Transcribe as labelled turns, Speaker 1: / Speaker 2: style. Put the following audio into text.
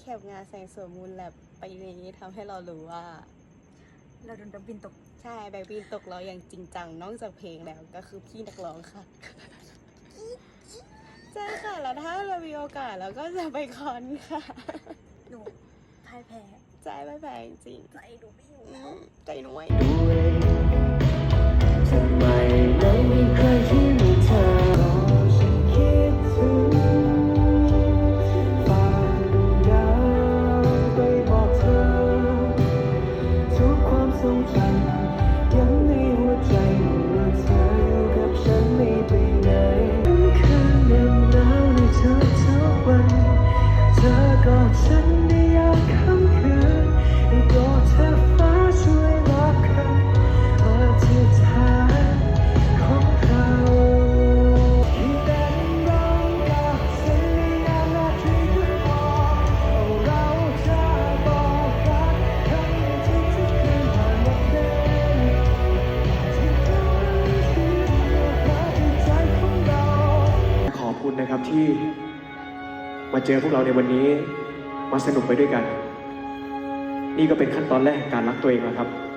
Speaker 1: ปงานแสงสวยมูลแลบปีนี้ทำให้เรารู้ว่า
Speaker 2: เราโดนดับบินตก
Speaker 1: ใช่แบ็คบินตกเราอย่างจริงจังนอกจากเพลงแล้วก็คือพี่นักร้องค่ะใช่ค่ะแล้วถ้าเรามีโอกาสเราก็จะไปคอนค่ะ
Speaker 2: หนูพ่ายแพ้
Speaker 1: ใจไม่แพ้จริง
Speaker 2: ใจหนูไม่อยู่
Speaker 1: ใจหน่วย
Speaker 3: ทำไมไม่มีใครที่มีเธอฉันคิดถึงฟ้าดวงดาวไปบอกเธอทุกความทรงจำยังในหัวใจว่าเธออยู่กับฉันไม่ไปไหนคืนเย็นหนาวในทุกวันเธอกอดฉันได้ยามค่ำคืนให้กอดเธอฟ้าช่วยรับคำอธิษฐานของเราที่เป็นร้องกับเสียงนาทีทุกคนเราจะบอกกันคำที่ทุกคืนผ่านวันเดิมที่เธอที่เธอที่ใจของเราขอบคุณนะครับที่มาเจอพวกเราในวันนี้มาสนุกไปด้วยกันนี่ก็เป็นขั้นตอนแรกการรักตัวเองแล้วครับ